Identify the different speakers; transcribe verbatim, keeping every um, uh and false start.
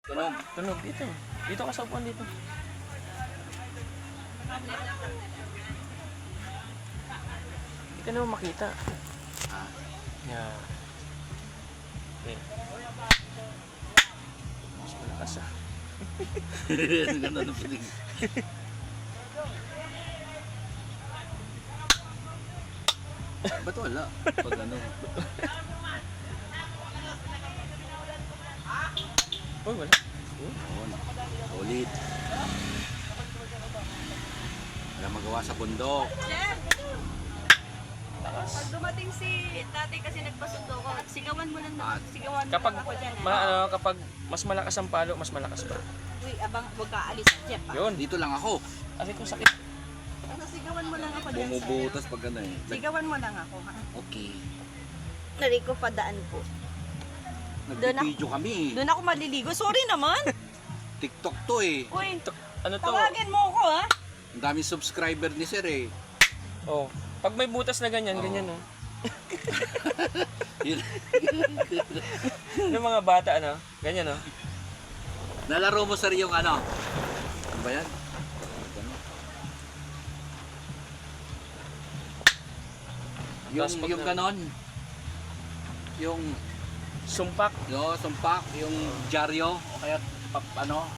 Speaker 1: Tunog.
Speaker 2: Tunog dito. Dito ka sa upuan dito. Hindi ka naman makita.
Speaker 1: Ah.
Speaker 2: Yeah. Okay. Mas malakas ah.
Speaker 1: Ganda ng piling. Ba't wala? Pag ano?
Speaker 2: Uy, wala. Uy.
Speaker 1: Oo, ulit. Wala magawa sa bundok.
Speaker 3: Chef,
Speaker 2: Lakas.
Speaker 3: pag dumating si tatay kasi nagpasundo ko, sigawan mo lang na, sigawan mo
Speaker 2: Kapag,
Speaker 3: lang ako dyan.
Speaker 2: ma,
Speaker 3: ah.
Speaker 2: ano, kapag mas malakas ang palo, mas malakas pa.
Speaker 3: Uy, abang, huwag ka alis, Chef. Ah.
Speaker 2: Yun.
Speaker 1: Dito lang ako.
Speaker 2: Kasi kung sakit.
Speaker 3: Ano, sigawan mo lang ako dyan.
Speaker 1: Bumubutas pag ano eh.
Speaker 3: sir. Sigawan mo lang ako, ha?
Speaker 1: Okay.
Speaker 3: Nari ko padaan po. Doon ako-
Speaker 1: Nag-video kami eh.
Speaker 3: Doon ako maliligo. Sorry naman.
Speaker 1: TikTok to eh.
Speaker 3: Uy,
Speaker 2: Ano to?
Speaker 3: tawagin mo ako, ha?
Speaker 1: Ang daming subscriber ni Sir eh.
Speaker 2: Oh. Pag may butas na ganyan,
Speaker 1: Oo.
Speaker 2: ganyan oh.
Speaker 1: Yun.
Speaker 2: Yung mga bata ano, ganyan oh.
Speaker 1: Nalaro mo Sir yung ano? Ano ba yan? Ano? Yung,
Speaker 2: Tapos pag
Speaker 1: yung
Speaker 2: na-
Speaker 1: ganon. Yung
Speaker 2: Sumpak.
Speaker 1: no, sumpak, yung dyaryo o kaya pap, ano,